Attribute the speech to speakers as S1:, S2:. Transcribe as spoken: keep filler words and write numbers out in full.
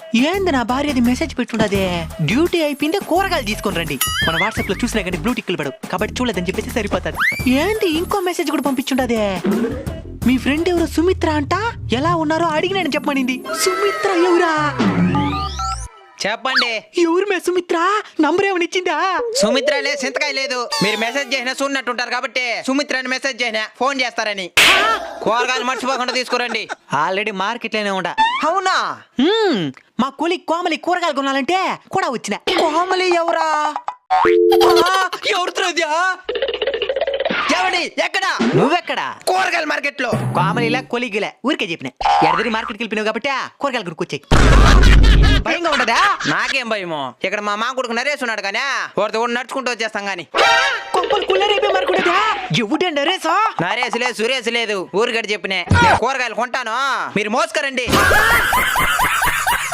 S1: ఏంది నా భార్య అది మెసేజ్ పెట్టుండదే, డ్యూటీ అయిపోయిందే కూరగాయలు తీసుకొని రండి. మన వాట్సాప్ లో చూసినా కానీ బ్లూ టిక్లు పడవు కాబట్టి చూడలేదని చెప్పేసి సరిపోతాది. ఏంటి ఇంకో మెసేజ్ కూడా పంపించుండదే, మీ ఫ్రెండ్ ఎవరో సుమిత్ర అంట, ఎలా ఉన్నారో అడిగినానని చెప్పమనింది. సుమిత్ర ఎవరా?
S2: చెప్పండి.
S1: ఎవరు మే సుమిత్ర? నంబర్ ఏమని ఇచ్చిందా?
S2: సుమిత్ర లేదు, సింతకాయ లేదు. మీరు మెసేజ్ చేసినా చూడనట్టుంటారు కాబట్టి సుమిత్ర అని మెసేజ్ చేసినా ఫోన్ చేస్తారని. కూరగాయలు మర్చిపోకుండా తీసుకురండి.
S1: ఆల్రెడీ మార్కెట్ లోనే ఉండా.
S2: అవునా?
S1: హ్మ్, మా కొలి కోమలి కూరగాయలు కొనాలంటే కూడా వచ్చిన.
S2: కోమలి ఎవరా? ఎవరితో? ఎవడి? ఎక్కడ?
S1: నువ్వెక్కడా?
S2: కూరగాయల మార్కెట్ లో.
S1: కోమలిలా కొలిగిలే ఊరికే చెప్పిన. ఎడదిరి మార్కెట్కి వెళ్ళిపోయినావు కాబట్టి కూరగాయలు గురికొచ్చాయి. భయంగా ఉండదా?
S2: నాకేం భయమో, ఇక్కడ మా మా కొడుకు నరేష్ ఉన్నాడు కానీ వాడితో కూడా నడుచుకుంటూ వచ్చేస్తాం గాని.
S1: కొంపలు కుల్లరైపోయి మరకుడదా? ఎవడే నరేసా?
S2: నరేష్ లేదు, సురేష్ లేదు, ఊరికడ చెప్పినే. కూరగాయలు కొంటాను, మీరు మోసుకరండి.